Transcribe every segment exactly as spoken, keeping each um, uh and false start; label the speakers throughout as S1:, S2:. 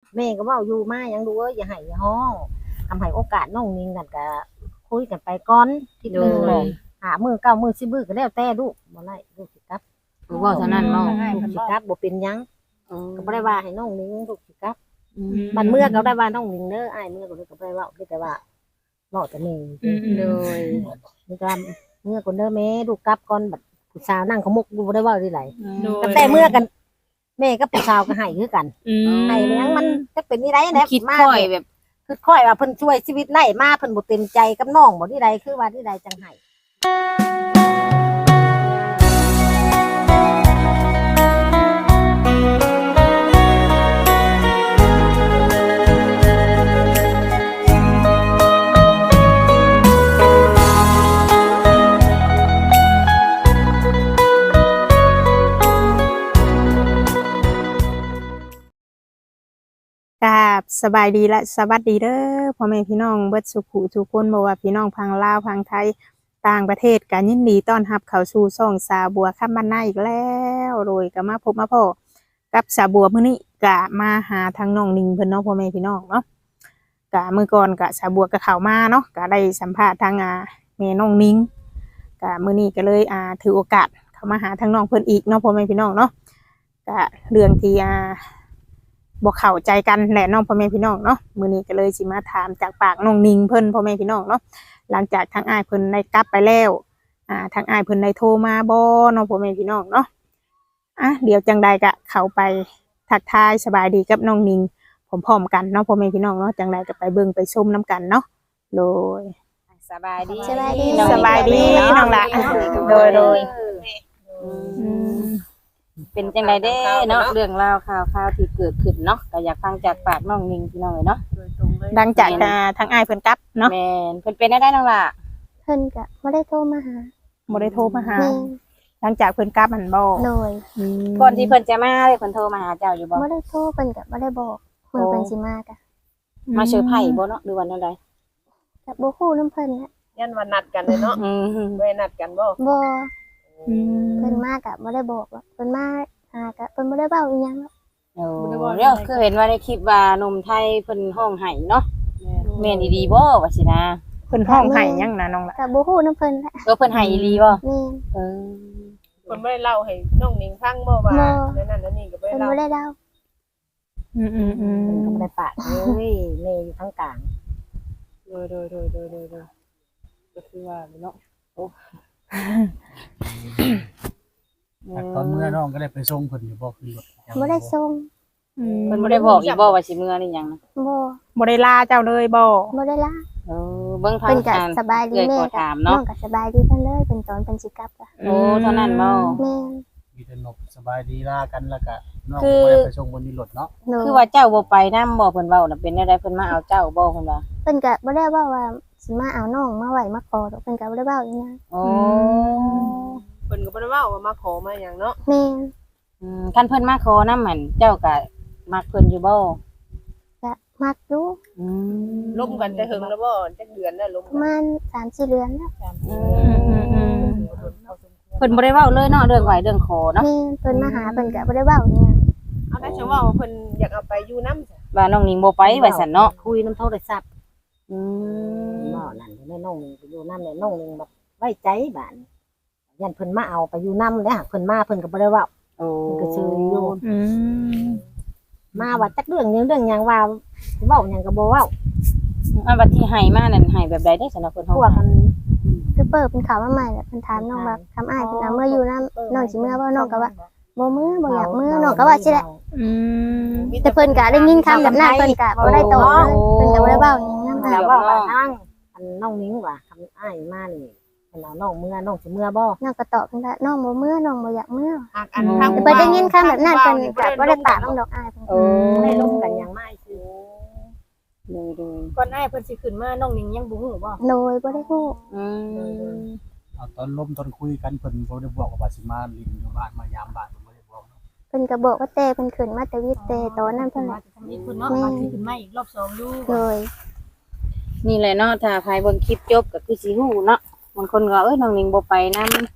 S1: แม่ก็เว้าอยู่มายังดูเอ้ยอย่าให้อย่าฮ้องทำให้โอกาสน้องนิงนั่นก็คุยกันไปก่อนทีนึงบอกหามื้อเก้ามื้อสิบมื้อก็แล้วแต่ลูกบ่ได้ลูกสิกลับ
S2: ลูกเว้าเท่านั้นเนาะ
S1: ลูกสิกลับบ่เป็นหยัง
S2: อ๋อ
S1: ก็บ่ได้ว่าให้น้องนิงลูกสิกลับบัดเมื่อก็ได้ว่าน้องนิงเด้ออ้ายเมื่อก็เลยก็บ่ได้เว้ามีแต่ว่าเว้าแต่นี่
S2: โดย
S1: มีแต่เมื่อก่อนเด้อแม่ลูกกลับก่อนบัดผู้สาวนั่งขมุกอยู่บ่ได้เว้าที่ไหน
S3: โดย
S1: แต่เมื่อกันแม่กับผู้สาวก็ให้คือกัน
S3: อืม
S1: ให้เลี้ยงมันจักเป็นนี่ได้แหละ
S2: คิด
S1: มา
S2: ค่อยแบบ
S1: คือค่อยว่าเพิ่นช่วยชีวิตไล่มาเพิ่นบ่เต็มใจกับน้องบ่ที่ใดคือว่าที่ใดจังให้
S3: กราบสบายดีและสวัสดีเด้อพ่อแม่พี่น้องเบิดสุขุทุกคนบ่ว่าพี่น้องพังลาวพังไทยต่างประเทศกันยินดีต้อนรับเข้าสู่ช่องสาบัวคำบ้านนาอีกแล้วโดยก็มาพบมาพ่อกับสาบัวมื้อนี้ก็มาหาทางน้องนิงเพิ่นเนาะพ่อแม่พี่น้องเนาะก็มื้อก่อนก็สาบัวก็เข้ามาเนาะก็ได้สัมภาษณ์ทางอ่าแม่น้องนิงก็มื้อนี้ก็เลยอ่าถือโอกาสเข้ามาหาทางน้องเพิ่นอีกเนาะพ่อแม่พี่น้องเนาะก็เรื่องที่อ่าบ่เข้าใจกันแหละน้องพ่อแม่พี่น้องเนาะมื้อนี้ก็เลยสิมาถามจากปากน้องนิงเพิ่นพ่อแม่พี่น้องเนาะหลังจากทางอ้ายเพิ่นได้กลับไปแล้วอ่าทางอ้ายเพิ่นได้โทรมาบ่เนาะพ่อแม่พี่น้องเนาะอ่ะเดี๋ยวจังใดก็เข้าไปทักทายสบายดีกับน้องนิงพร้อมๆกันเนาะพ่อแม่พี่น้องเนาะจังใดก็ไปเบิ่งไปชมนํกันเนาะโดย
S2: สบายดี
S1: สบายดี
S3: สบายดีน้องละโดยโดย
S2: อืมเป็นจังไดเด้เนาะเรื่องราวข่าวข่าวที่เกิดขึ้นเนาะก็อยากฟังจากปากน้องนิงพี่น้องเลยเนาะ
S3: หลังจากอ่าทางอ้ายเพิ่นกลับเนาะ
S2: แม่นเพิ่นเป็นได้ได้น้องล่ะ
S4: เพิ่นก็บ่ได้โทรมาหา
S3: บ่ได้โทรมาหา
S4: แม่
S3: หลังจากเพิ่นกลับมันบ่
S4: โดย
S3: อืม
S2: ก่อนที่เพิ่นจะมาเลยเพิ่นโทรมาหาเจ้าอยู่บ่
S4: บ่ได้โทรเพิ่นก็บ่ได้บอกเมื่อเพิ่นสิมากะ
S2: มาเซอร์ไพรส์บ่เนาะหรือว่าแนวใด
S4: ก็บ่ฮู้นำเพิ่นแหละ
S5: ยันวันนัดกันเลยเนาะ
S2: อืม
S5: ไม่นัดกันบ่
S4: บ่
S3: อืม
S4: เพิ่นมากะบ่ได้บอกว่าเพิ่นมาหากะเพิ่นบ่ได้เว้าอีหยังหรอก
S2: โอ้เดี๋ยวคือเห็นว่าในคลิปว่าหนุ่มไทยเพิ่นห้องไห้เนาะแม่นอีหลีบ่ว่าสินะ
S3: เพิ่นห้องไห้ยังนะน้องละ
S4: ก็บ่ฮู้นำเพิ่นแหละ
S2: เออเพิ่นไห้อีหลีบ่
S4: แม่น
S2: เออ
S5: คนไม่ได้เล่าให้น้องนิงฟังบ่ว่า
S4: บ่
S5: แล้วนั่นแล้วนี่ก็ไม่
S4: เพิ่น
S5: ได้เล่า
S4: บ่ได้เล่า
S3: อืมอืมอืม
S1: เพิ่นก็บ่ได้ปากเลยแม่อยู่ทางกลาง
S5: โดยโดยโดยโดยโดยโดยก็คือว่าเนาะ
S6: แต่ตอนเมื่อน้องก็ได้ไปส่งเพิ่นอยู่บ่ขึ้นรถ
S4: บ่ได้ส่ง
S3: อืม
S2: เพิ่นบ่ได้บอกอีกบ่ว่าสิเมื่อนี่หยังนะ
S4: บ่
S3: บ่ได้ลาเจ้าเลยบ่
S4: บ่ได้ล่า
S2: เออเบิ่งทา
S4: เพิ่
S2: ง
S4: นก็
S2: การ
S4: สบายดี
S2: เอื้อย
S4: แม่
S2: ขอ
S4: ก็
S2: ถาม
S4: น้
S2: เนาะ
S4: องก็สบายดีเพิ่นเลยเพิ่นตอนเพิ่นสิกลับก็
S2: โอ้เท่านั้นบ่
S4: แม่น
S6: มีแต่นกสบายดีลากันแล้วก็น้อง
S2: คือ
S6: ก็บ่ได้ไปส่งบนนี้รถเนาะ
S4: โดย
S2: คือว่าเจ้าบ่ไปนำบ่เพิ่นเว้าน่ะเป็นแนวใดเพิ่นมาเอาเจ้าบ่เพิ่นว่า
S4: เพิ่นก็บ่ได้เว้าว่าสิมาเอาน้องมาไว้มาขอดอกเพิ่นก็บ่ได้เว้าอีหยัง
S2: โอ้
S5: เพิ่นก็บ่ได้เว้าว่ามาขอมาหยังเนาะ
S4: แม่น
S2: อืมคันเพิ่นมาขอนำหั่นเจ้าก็มักเพิ่นอยู่บ่
S4: ก็มักอยู่
S2: อืม
S5: ล้มกันแต่หึงแล้วบ่จักเดือนแล้วล้ม
S4: ประมาณสามสี่เดือนแล้ว
S2: อืมเพิ่นบ่ได้เว้าเลยเนาะเรื่องไหวเรื่องขอเนาะ
S4: แม่นเพิ่นมาหาเพิ่นก็บ่ได้เว้าอีหยัง
S5: เอาได้ฉันว่าเพิ่นอยากเอาไปอยู่นำจ้ะ
S2: ว่าน้องนิงบ่ไปว่าซั่นเนาะ
S1: คุยน้ำโทรศัพท์
S2: อืม
S1: บ่นั่นแม่น้องนิงไปอยู่นำแล้วน้องนิงแบบไว้ใจบ้านยันเพิ่นมาเอาไปอยู่นำแล้วหากเพิ่นมาเพิ่นก็บ่ได้เว้า
S2: โอ้
S1: เพิ่นก็ชื่ออยู่
S3: อืม
S1: มาว่าจักเรื่องหยังเรื่องหยังว่าเว้าหยังก็บ่เว้า
S2: อันบัดที่ให้มานั่นให้แบบใดได้ซั่นเนาะเพิ่น
S1: พ
S2: เฮาว
S1: กกัน
S4: คือเปิดเป็นข่าวมาใหม่แหละเพิ่นถามน้องว่าทำอ้ายเพิ่นเอาเมื่ออยู่นำน้องสิเมื่อบ่น้องก็ว่าบ่มื้อบ่อยากมื้อน้องก็ว่าสิแหละ
S3: อืม
S4: แต่เพิ่นก็ได้ยินคำแบบนั้นเพิ่นก็บ่ได้ตอบเลยเพิ่นก็บ่ได้เว้าหยังนำ
S1: แล้วว่าว่าทางอันน้องนิ้งว่าคำอ้ายมานี่เพิ่นเอาน้องเมื่อน้องสิเมื่อบ่
S4: น้องก็ตอบเพิ่นว่าน้องบ่มื้อน้องบ่อยากมื้อ
S5: หากอันทาง
S4: แต่เพิ่นได้ยินคำแบบนั้นเพิ่นก็บ่ได้ปากน้องดอกอ้ายเพิ่น
S2: โอ้
S1: บ่ได้ลงกันหยังมาคือ
S2: เลยเลย
S3: ก่อนอ้ายเพิ่นสิขึ้นมาน้องนิงยังบ่ฮู้บ่
S4: โดยบ่ได้ฮู้
S2: อืม
S6: เอาตอนล้มตอนคุยกันเพิ่นบ่ได้บอกว่าสิมาลิงอยู่บ้านมายามบ้านเพิ่นบ่ได้บอกเนาะ
S4: เพิ่นก็บอกว่าแต่เพิ่นขึ้นมาแต่วิทย์แต่ตอนนั้นเพิ่นแหละ
S3: นี่คุณเนาะมาขึ้นมาอีกรอบสองอยู่
S4: โดย
S2: นี่แหละเนาะถ้าใครเบิ่งคลิปจบก็คือสิฮู้เนาะบางคนก็เอ้ยน้องนิงบ่ไปนำ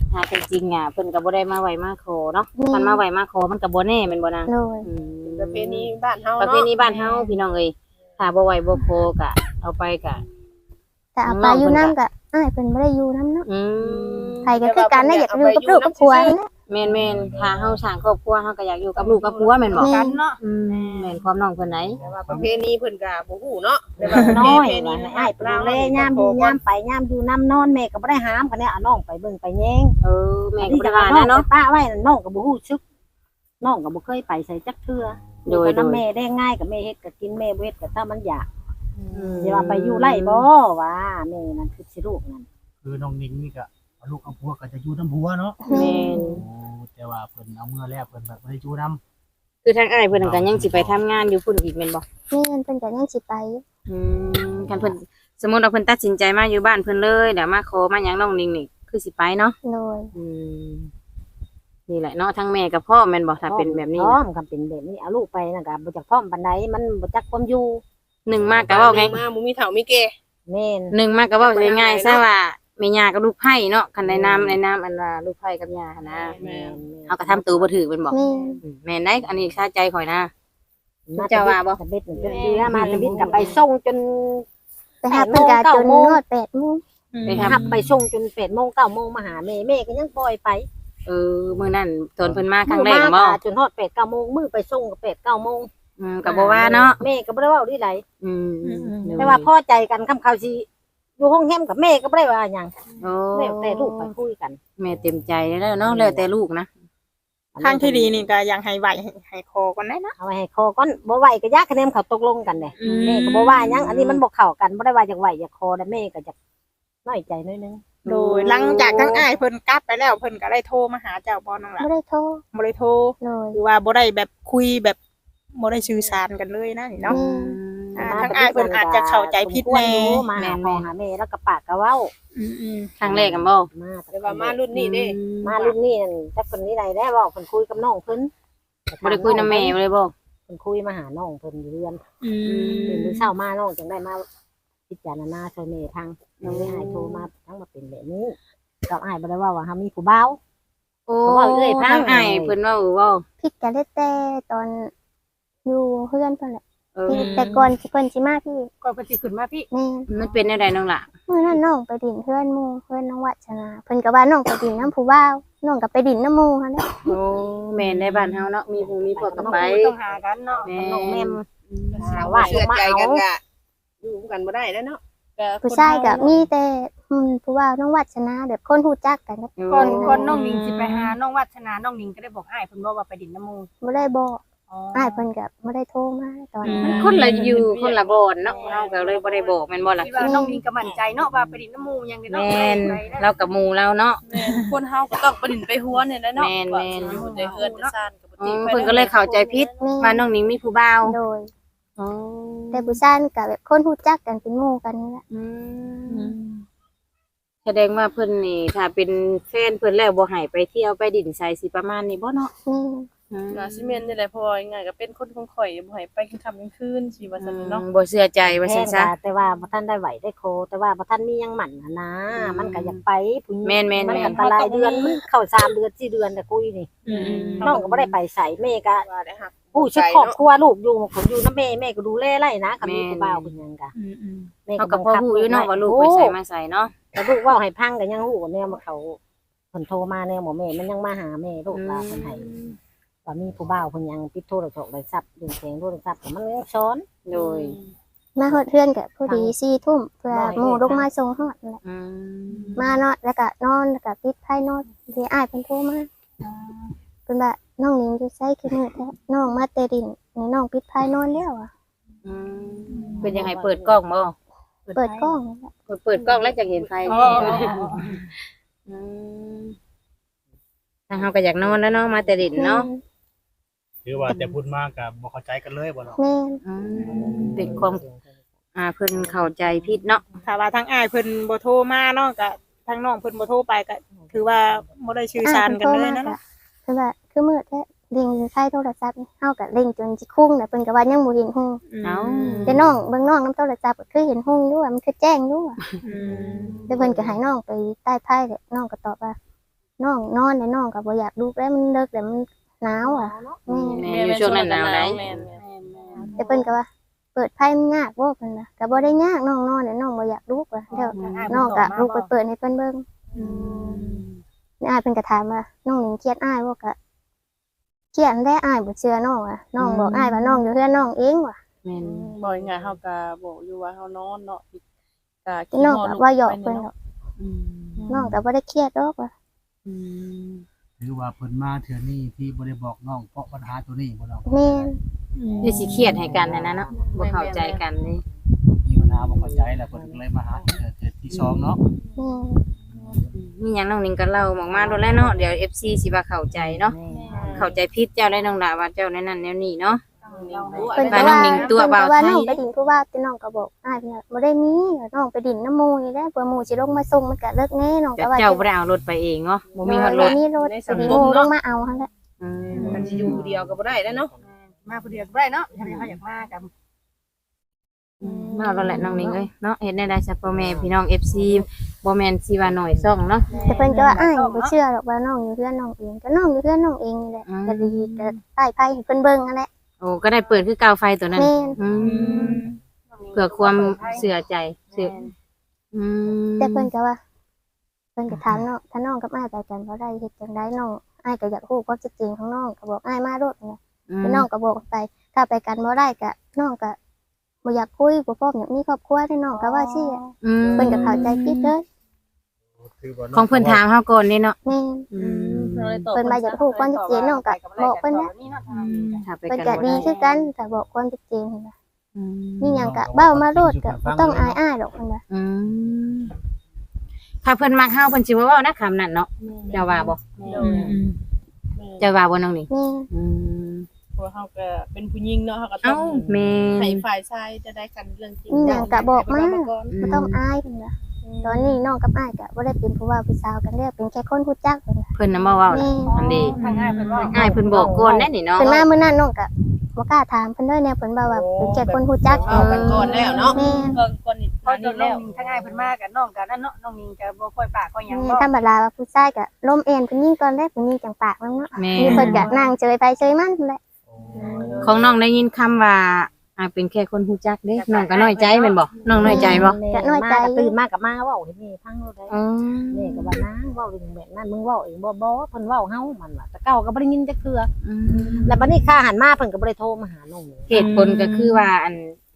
S2: หาจริงๆอ่ะเพิ่นก็บ่ได้มาไหวมาขอเนาะมันมาไหวมาขอมันก็บ่แน่แม่นบ่นาง
S4: โดย
S2: อืม
S5: ประเพณีบ้านเฮา
S2: ประ
S5: เนาะ
S2: เพณีบ้านเฮาพี่น้องเอ้ยถ้าบ่ไหวบ่ขอก็เอาไปก็
S4: แต่เอาไปอยู่น้ำก็อ้ายเพิ่นบ่ได้อยู่น้ำเนาะ
S2: อืม
S4: ใครก็คือกันได้อยากอยู่กับลูกกับผัวนี่แหละ
S2: แม่นๆถ้าเฮาสร้างครอบครัวเฮาก็อยากอยู่กับลูกกับผัวแม่นบ่
S4: แม่
S5: กันเนาะ
S2: อืมแม่นความน้องเพิ่นไหน
S5: แต่ว่าประเพณีเพิ่นก็บ่ฮู้เนาะแต่ว่า
S1: น้อย
S5: ประเพณี
S1: ว่าให้อ้ายไปดูแลยามอยู่ยามไปยามอยู่น้ำนอนแม่ก็บ่ได้ห้ามกันเนี่ยเอาน้องไปเบิ่งไปแยง
S2: เออแม่ก็บ่ได้ว่านะเนาะ
S1: ป้าไว้น้องก็บ่ฮู้ซึกน้องก็บ่เคยไปใส่จักเทื่อ
S2: โดย
S1: น้ำแม่ได้ง่ายกับแม่เฮ็ดก็กินแม่บ่เฮ็ดก็ถ้ามันอยาก
S2: อืม
S1: สิว่าไปอยู่ไร่บ่ว่าแม่นั่นคือสิลูกนั่น
S6: คือน้องนิงนี่ก็เอาลูกเอาผัวก็จะอยู่น้ำผัวเนาะ
S2: แม่น
S6: โอ้แต่ว่าเพิ่นเอาเมื่อแล้วเพิ่นแบบบ่ได้อยู่น้
S2: คือทางอ้ายเพิ่นก็ยังสิไปทำงานอยู่พุ่นอีกแม่นบ่
S4: แม่นเพิ่นก็ยังสิไปอยู่
S2: อืมคันเพิ่นสมมุติว่าเพิ่นตัดสินใจมาอยู่บ้านเพิ่นเลยเดี๋ยวมาขอมาหยังน้องนิ่งนี่คือสิไปเนาะ
S4: โดย
S2: อืมนี่แหละเนาะทั้งแม่กับพ่อแม่นบ่ถ้าเป็นแบบนี้
S1: พร้อ
S2: นะ
S1: มกับเป็นแบบนี้เอาลูกไปนั่นก็บ่จักพร้อมปานใดมันบ่จักความอยู่
S2: หนึ่งมากก็เว้าไง
S5: มาบ่มีเฒ่ามีแก่
S1: แม่น
S2: หนึ่งมากก็เว้าง่ายๆซะว่าแม่ย่ากับลูกไผ่เนาะคันในน้ำในน้ำอันว่าลูกไผ่กับย่าหั้นนะ
S1: แม่น
S2: เฮาก็ทำตัวบ่ถูกแม่นบ่
S4: แม่น
S2: อืมแม่นได้อันนี้คาใจข่อยนะ
S1: มา
S2: เจ้าว่าบ่
S1: ตะเบ็ดจนเดือมาตะเบ็ดกลับไปส่งจน
S4: ไปหาเพิ่นก็จนฮอดแปดโมง
S2: ไป
S1: ไป
S2: ทำ
S1: หับไปส่งจนแปดโมงเก้าโมงมาหาแม่แม่ก็ยังปล่อยไป
S2: เออมื้อนั้นตอนเพิ่นมาครั้งแรก
S1: มื้อ
S2: บ่
S1: มาจนฮอดแปดเก้าโมงมื้อไปส่งก็แปดเก้าโมง
S2: อืมก็บ่ว่าเนาะ
S1: แม่ก็บ่ได้เว้าดีไหล
S2: อืม
S1: แต่ว่าพอใจกันคำเขาสิอยู่ห้องแฮมกับแม่ก็บ่ได้ว่าหยัง
S2: โอ้
S1: แล้วแต่ลูกไปคุยกัน
S2: แม่เต็มใจแล้วเนาะแล้วแต่ลูกนะ
S3: ทางที่ดีนี่ก็ยังให้ไหวให้ให้คอก่อนได้นะ
S1: เอาไว้ให้คอก่อนบ่ไหวก็ยากคะแนนเขาตกลงกันเด้
S3: อืม
S1: แม่ก็บ่ว่าหยังอันนี้มันบ่เข้ากันบ่ได้ว่าอยากไหวอยากคอแต่แม่ก็อยากน้อยใจน้อยนึง
S3: โดยหลังจากทั้งอ้ายเพิ่นกลับไปแล้วเพิ่นก็ได้โทรมาหาเจ้าบ่นั่นล่ะ
S4: บ่ได้โทร
S3: บ่ได้โทร
S4: โดย
S3: หรือว่าบ่ได้แบบคุยแบบบ่ได้สื่อสารกันเลยนะนี่เนาะ
S4: อืม
S3: อ่าทางอ้ายเพิ่นอาจจะเข้าใจผิดแน่
S1: มาหาพ่อหาแม่แล้วก็ปากก็เว้า
S3: อืม
S2: ครั้งแรกกันบ่
S1: มา
S5: แต่ว่ามารุ่นนี้เด้
S1: มารุ่นนี้นั่นจักเพิ่นนี่ใดได้เว้าเพิ่นคุยกับน้องเพิ่น
S2: บ่ได้คุยนำแม่บ่ได้บ่
S1: เพิ่นคุยมาหาน้องเพิ่นอยู่เรือน
S3: ๆอืม
S1: ตื่นมื้อเช้ามาน้องจังได้มาพิจารณาช่วยแม่ทางน้องได้หายโทรมาทั้งมาเป็นแบบนี้กับอ้ายบ่ได้ว่าว่าเฮามีผู้บ่าว
S2: โอ้
S1: เขาว่าเอ้ยพัง
S2: ทางอ้ายเพิ่นเว้าเว้า
S4: ผิดกันได้แต่ตอนอยู่เพื่อนเพิ่นแหละ
S2: เออ
S4: พี่แต่ก่อนสิเพิ่นสิมาพี่
S5: ก่อนเพิ่นสิขึ้นมาพี่
S4: แม่น
S2: มันเป็นแนวใดน้องล่ะ
S4: มื้อนั้นน้องไปดินเพื่อนหมู่เพื่อนน้องวัชนาเพิ่นก็ว่าน้องไปดินน้ำผู้บ่าวน้องก็ไปดินน้ำหมู่หั่นแหละ
S2: โอ้แม่นในบ้านเฮาเนาะมีผู้มีพวกก็ไป
S5: ต้องหากันเนาะ
S2: แม่
S1: น้องแม่ม
S5: หา
S1: หา
S5: ว่า
S1: ว่า
S5: เชื่อใจกัน
S1: เอา
S5: ก็อยู่กันบ่ได้แล้วเนาะก็
S4: ผู้ชายก็มีแต่อืมผู้บ่าวน้องวัชนาแบบคนฮู้จักกันกับ
S7: ก่อนก่อนน้องนิงสิไปหาน้องวัฒนาน้องนิงก็ได้บอกอ้ายเพิ่นบอกว่าไปดินน้ำมูก
S4: บ่ได้บอก
S7: อ๋อ
S4: อ้ายเพิ่นก็บ่ได้โทรมาตอน
S3: อืม
S4: นั้น
S2: คนละอยู่คนละบ่อนเนาะเฮาก็เลยบ่ได้บอกแม่นบ่ล่ะ
S7: ที่ว่าน้องนิงก็มั่นใจเนาะว่าไปดินน้ำมูกยังได้เนาะ
S2: แม่น
S7: ไปได้
S2: เรากับหมู่เราเนาะ
S5: แม่นคนเฮาก็ต้องประดินไปหัวเนี่ยแหละเนาะ
S2: แม่น
S5: ว่า
S2: แม่น
S5: สิอยู่ในเฮือนในซ่านก็บ่
S2: อื
S5: ติ
S2: ม
S5: ไป
S2: เพิ่นก็เลยเข้าใจผิด
S4: แม่
S2: ว่าน้องนิงมีผู้บ่าว
S4: โดย
S2: อ๋อ
S4: แต่ผู้ชายนี่ก็แบบคนฮู้จักกันเป็นหมู่กันนี่แหละ
S2: อืมแสดงว่าเพิ่นนี่ถ้าเป็นแฟนเพิ่นแล้วบ่ให้ไปเที่ยวไปดินไสสิประมาณนี้บ่เนาะ
S4: แม่
S2: อืม
S5: น่าสิแม่นนี่แหละเพราะว่าง่ายๆก็เป็นคนของข่อยบ่ให้ไปกลางค่ำกลางคืนสิว่าซั่นเนาะ
S2: บ่เชื่อใจว่าซั่นซะ
S1: แม่นว่าแต่ว่าบ่ทันได้ไหวได้โค แต่ว่าบ่ทันมีหยังหมั่นหั้นนะ
S2: อืม
S1: มันก็อยากไปผู้หญิง
S2: แม่นๆๆ
S1: มันก็อันตรายเดือนมันเข้าสามเดือนสี่เดือนแต่คุยนี่
S3: อืม
S1: น้องก็บ่ได้ไปใส่แม่ก็
S5: ว่าได้ฮัก
S1: ผู้ชุดครอบครัวลูกอยู่ผมอยู่นำแม่แม่ก็ดูแลไล่นะก็มี
S2: แม่น
S1: ผู้บ่าวเป็นหยังกะ
S3: อืมอืม
S1: แม่
S2: เขาก็พอฮู้อยู่เนาะว่าลูกไปใส่มาใส่เนาะ
S1: แต่ลูกเว้าให้พังก็ยังฮู้ว่าแนวมาเขาเพิ่นโทรมาแนวหมอแม่มันยังมาหาแม่ลูกลาเพิ่นให้ว่ามีผู้บ่าวเพิ่นยังปิดโทรศัพท์ได้ทรัพย์ดึงแสงโทรศัพท์ก็มันยังซ้อน
S2: โดย
S4: มาฮอดเพื่อนก็พอดีสี่ทุ่มเพื่อหมู่ลงมาส่งฮอดนั่นแหละ
S2: อืม
S4: มาเนาะแล้วก็นอนแล้วก็ปิดไพ่นอนที่อ้ายเพิ่นโทรมาเพิ่นว่าน้องนิงอยู่ไสคือมื้อแท้น้องมาแต่ดินนี่น้องปิดไพ่นอนแล้วอ่ะ
S2: อืมเพิ่นยังให้เปิดกล้องบ่
S4: เปิดกล้องนั่นแหละ
S2: เปิดเปิดกล้องแล้วจะเห็นไฟ
S5: อ๋อ
S2: อืมทางเฮาก็อยากนอนแล้วเนาะมาแต่ดินเนาะ
S6: คือว่าแต่พูดมากก็บ่เข้าใจกันเลยบ่เนาะ
S4: แม่น
S2: อืมเป็นความอ่าเพิ่นเข้าใจผิดเนาะ
S3: ถ้าว่าทางอ้ายเพิ่นบ่โทรมาเนาะก็ทางน้องเพิ่นบ่โทรไปก็ถือว่าบ่ได้สื่อสารกันเลยนะเนาะ
S4: เพิ่นว่าคือมื้อแท้เร่งใช้โทรศัพท์นี่เฮาก็เร่งจนสิคุ้งน่ะเพิ่นก็ว่ายังบ่เห็นฮู้
S2: เอ้า
S4: แต่น้องเบิ่งน้องนํโทรศัพท์ก็คือเห็นฮู้อยู่ว่ามันคือแจ้งอยู่อะ
S3: อืม
S4: แต่เพิ่นก็ให้น้องไปใต้ไพ่แหละน้องก็ตอบว่าน้องนอนแล้วน้องก็บ่อยากลุกแล้วมันเลิกแล้วมันหนาวอ่ะแม่
S2: แม่อยู่ช่วงนั้นหนาวได้
S5: แม่น
S4: แต่เพิ่นก็ว่าเปิดไพ่มันยากบ่เพิ่นน่ะก็บ่ได้ยากน้องนอนแล้วน้องบ่อยากลุกว่ะเดี๋ยวน้องก็ลุกไปเปิดให้เพิ่นเบิ่งอ้ายเพิ่นก็ถามว่าน้องหนิงเครียดอ้ายบ่ก็เครียดแล้อ้ายบ่เชื่อน้องอ่ะน้องบอกอ้ายว่าน้องอยู่เฮือนน้องเองว่ะ
S2: แม่น
S5: บ่ง่ายๆเฮาก็บอกอยู่ว่าเฮานอนเนาะก็
S4: แต่น้องก็ว่าหยอกเพิ่นดอก
S2: อืม
S4: น้องก็บ่ได้เครียดดอกว่ะ
S2: อืม
S6: หรือว่าเพิ่นมาเทื่อนี้ที่บ่ได้บอกน้องเพราะปัญหาตัวนี้บ่น้อง
S4: แม่น
S2: คือสิเครียดให้กันนะนะเนาะบ่เข้าใจกันนี่
S6: มีปัญหาบ่เข้าใจแล้วเพิ่นก็เลยมาหาเทื่อเทื่อที่สองเนาะ
S4: แม่น
S2: มีหยังน้องนิงก็เล่าออกมาโดนแล้วเนาะเดี๋ยว เอฟ ซี สิว่าเข้าใจเนาะเข้าใจผิดเจ้าได้น้องดาว่าเจ้าในนั้นแนวนี้เนาะ
S4: เพิ่น
S2: บ้า
S4: ก็
S2: นน้อ
S4: ว่าง
S2: หนิงตัวเบา
S4: เพิ่นก็ว่า
S2: ไทย
S4: น้องไปดินผู้ว่าแต่น้องก็บอกอ้ายเพิ่นว่าบ่ได้มีน้องไปดินน้ำหมู่นี่แหละเผื่อหมู่สิลงมาส่งมันก็เลิกแน่น้อง
S2: แต่
S4: ก็ว่า
S2: เจ้าบ่ได้เอารถไปเองเนาะบ่มีฮอดรถ
S4: มีรถไปดินหมู่ลงมาเอาหั่นแหละ
S2: อืม
S5: มันสิอยู่ผู้เดียวก็บ่ได้แล้วเนาะ
S7: มาผู้เดียวก็ได้เนาะถ้าเขาอยากมากับ
S2: มาเอาแล้วแหละน้องนิงเอ้ยเนาะเฮ็ดได้ได้ซะพ่อแม่พี่น้อง เอฟ ซี บ่แม่นสิว่าน้อยซ่องเนาะ
S4: แต่เพิ่นก็ว่าอ้ายบ่เชื่อหรอกว่าน้องอยู่เฮือนน้องเองก็น้องอยู่เฮือนน้องเองนี่แหละ
S2: อืม
S4: ก็ดีก็ใต้ไผให้เพิ่นเบิ่งนั่นแหละ
S2: โอ้ก็ได้เปิดคือกาวไฟตัวนั้น
S4: แม่น
S2: อืมเพื่อความเชื่อใจเชื่ออืม
S4: แต่เพิ่นก็ว่าเพิ่นก็ถามน้องถ้าน้องกับอ้ายไปกันบ่ได้เฮ็ดจังไดน้องอ้ายก็อยากรู้ความชัดเจนของน้องก็บอกอ้ายมาโลดนะ
S2: อืม
S4: แต่น้องก็บอกไป ถ้าไปกันบ่ได้ก็น้องก็บ่อยากคุยบ่พร้อมอยากมีครอบครัวได้น้องก็ว่าซี่อะ
S2: อืม
S4: เพิ่นก็เข้าใจผิดเลย
S2: ของเพิ่นถามเฮาก่อนนี่เนาะ
S4: แม่น
S2: อืม
S4: เพิ่นมาอยากรู้ความชัดเจนน้องก็บอกเพิ่นนะ
S2: ถ้าไป
S4: เพิ่น
S2: กั
S4: ก็
S2: นบ่
S4: ดี
S2: ได้
S4: คือกันแต่บอกความชัดเจนนั่นล่ะ
S2: อืม
S4: มีหยังก็เบ้ามาโลดก็บ่ต้องอายอ้ายดอกเพิ่นว่า
S2: อืมถ้าเพิ่นมักเฮาเพิ่นสิบ่เว้านะคำนั้นเนาะเจ้าว่าบ่เจ้าว่าบ่น้องนี่
S4: แม่น
S2: อืม
S5: เพราะเฮาก็เป็นผู้หญิงเนาะเฮาก็ต้
S2: เอ้า
S5: อง
S2: แม่
S5: ให้
S2: น
S5: ฝ่ายชายจะได้กันเรื่องจริง
S4: มีหยังก็บอกมา
S5: ก่อน
S4: บ่ต้องอายเพิ่นว่าตอนนี้น้องกับอ้ายก็บ่ได้เป็นผู้ว่าผู้สาวกันแล้วเป็นแค่คนรู้จักเพิ่นว่า
S2: เพิ่นน่ะมาเว้า
S4: แม่
S2: อันนี้
S7: ทางง่ายเพิ่นว่า
S2: อ้ายเพิ่นบอกก่อนได้นี่เนาะ
S4: เพิ่นมามื้อนั้นน้องก็บ่กล้าถามเพิ่นเลยแนวเพิ่นว่าว่าเป็นแค่คนรู้จัก
S5: เอากันก่อนแล้วเนาะ
S4: แม่น
S5: เพิ่นก่อนนี่
S7: พอ
S5: มา
S7: จ
S5: นี่
S7: นน้
S5: แล้
S7: อง
S5: ว
S7: นิงทางง่ายเพิ่นมากับน้องกันนั่นเนาะน้องนิงก็บ่ค่อยปากค่อยหยัง
S4: แม่
S7: บ่
S4: ธรรมดาว่าผู้ชายก็ล้มเอ็นเพิ่นยิงก่อนแรกเพิ่นยิงจังปากมันเนาะ
S2: แม่
S4: นี่เพิ่นก็นั่งเฉยไปเฉยมันนั่นแหละ
S2: ของน้องได้ยินคำว่าอ่าเป็นแค่คนฮู้จักเด้น้องก็น้อยใจแม่นบ่น้องน้อยใจบ่
S1: ก็น้อยใจตื่นมากับมาเว้าให้แม่ฟังโลดได้
S2: อืม
S1: แม่ก็ว่านะเว้าเรื่องแบบนั้นมึงเว้าเองบ่บ่เพิ่นเว้าเฮามันว่าแต่เก่าก็บ่ได้ยินจักเทื่อ
S2: อืม
S1: แล้วบัดนี้ข้าหันมาเพิ่นก็บ่ได้โทรมาหาน้องเลย
S2: เหตุผลก็คือว่าอัน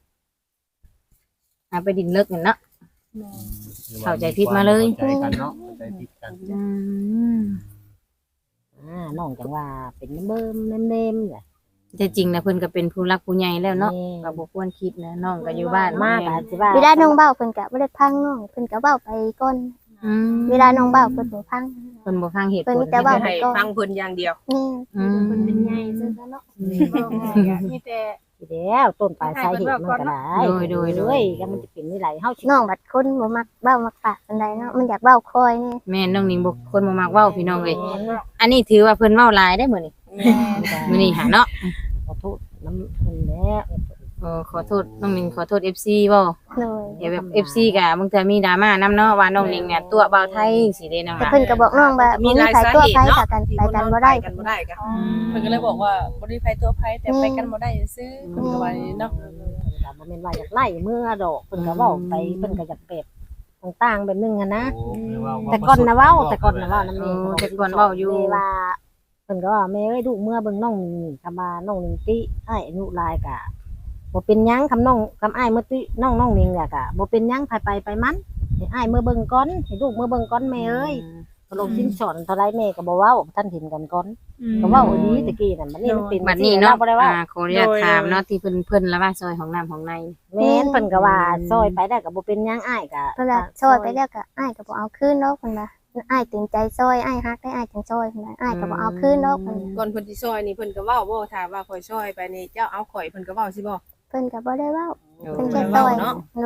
S2: อ่าไปดินเลิกกันเนาะ เข้าใจผิดมาเลย
S6: เข้าใจกันเนาะเข้าใจผิดกัน
S2: อืม
S1: อ่าน้องจังว่าเป็นเบิ่มๆเนมๆแหละ
S2: แต่จริงนะเพิ่นก็เป็นผู้รักผู้ใหญ่แล้วเนาะ
S1: แม่
S2: ก็บ่ควรคิดนะน้องก็อยู่บ้าน
S1: มาก
S2: แม่
S1: อาจสิว่า
S4: เวลาน้องเบ้าเพิ่นก็บ่ได้พังน้องเพิ่นก็เบ้าไปก่อน
S2: อืม
S4: เวลาน้องเบ้าเพิ่นบ่พัง
S2: เพิ่นบ่ฟังเหตุผ
S4: เพิ่น
S2: ล
S4: มีแต่เว้า
S5: ให้ฟังเพิ่นอย่างเดียว
S4: นี่
S2: อืม
S7: เพิ่นเป็นใหญ่ซื่อซะเนาะมีแต่
S1: สิแล้วต้นปลายสาเหตุมันก็ได้
S2: โดยโดยโดย
S1: เอ้ยก็มันจะเป็นนี่ไหลเฮาสิ
S4: น้องบัดคนบ่มักเบ้ามักปากปานใดเนาะมันอยากเบ้าคอยนี่
S2: แม่น้องนิงบ่คนบ่มักเว้าพี่น้องเอ้ยอันนี้ถือว่าเพิ่นเว้าหลายได้มื้อนี้มื้อนี้หาเนาะ
S1: ขอโทษน้ำเพิ่นแล้ว
S2: เออขอโทษน้องนิงขอโทษ เอฟ ซี บ่
S4: เลย
S2: เดี๋ยวแบบ เอฟ ซี ก็บางเทื่อมีดราม่านำเนาะว่าน้องนิงเนี่ยตัวเบาไทยสิเด้น้อง
S4: แต่
S2: ล่ะ
S4: เพิ่นก็บอกน้องว่าบ่มีไผตัวไผถ้ากันไปกันบ่ได้
S5: กันบ่ได้ก็เพิ่นก็เลยบอกว่าบ่ได้ไผตัวไผแต่ไปกันบ่ได้ซื่อเพิ่นก็ว่าอย่างนี้เนาะ
S1: เพิ่นก็บ่แม่นว่าอยากไล่เมื่อดอกเพิ่นก็เว้าไปเพิ่นก็อยากเปรียบต่างๆแบบนึงอะนะ
S6: โอ้แปลว่า
S1: แต่ก่อนนะเว้าแต่ก่อนนะเว้านํ
S2: เอ
S1: แม่
S2: อแต่ก่อนเว้าอยู่
S1: แม่ว่าเพิ่นก็ว่าแม่เอ้ยลูกเมื่อเบิ่งน้องนี่คำว่าน้องนิงติอ้ายอายุหลายกะบ่เป็นหยังคำน้องคำอ้ายเมื่อติน้องน้องนิงเนี่ยกะบ่เป็นหยังไปไปไปมันให้อ้ายเมื่อเบิ่งก่อนให้ลูกเมื่อเบิ่งก่อนแม่เอ้ยก็ลงสิ้นสอนเท่าไรแม่ก็บ่เว้าท่านเห็นกันก่อนก็เว้าอีดีตะกี้นั่นบัดนี้มันเป็น
S2: บัดนี้เนาะ
S1: บ่ได้เว้า
S2: อ่าขออนุญาตถามเนาะที่เพิ่นเพิ่นละว่าซอยของน้ำของใน
S1: แม่นเพิ่นก็ว่าซอยไปได้ก็บ่เป็นหยังอ้ายก็
S4: เพิ่นว่าซอยไปแล้วก็อ้ายก็บ่เอาคืนดอกเพิ่นว่าอ้ายเต็มใจซอยอ้ายฮักได้อ้ายจังซอยเพิ่นว่าอ้ายก็บ่เอาคืนดอกเพิ่นว่า
S5: ก่อนเพิ่นสิซอยนี่เพิ่นก็เว้าบ่ถ้าว่าข่อยซอยไปนี่เจ้าเอาข่อยเพิ่นก็เว้าสิบ่
S4: เพิ่นก็บ่ได้เว้า
S2: เออ
S4: เพิ่นแค่ซอยเลย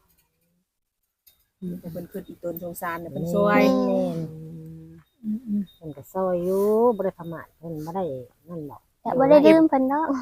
S5: แต่เพิ่นคิดอีตนสงสารเนี่ยเพิ่นซ
S1: ซ
S5: อ
S1: อย ยแม่นเพิ่นก็ซอยอยู่บ่ได้ประมาทเพิ่นบ่ได้นั่นดอก
S4: แต่บ่ได้ลืมเพิ่นดอก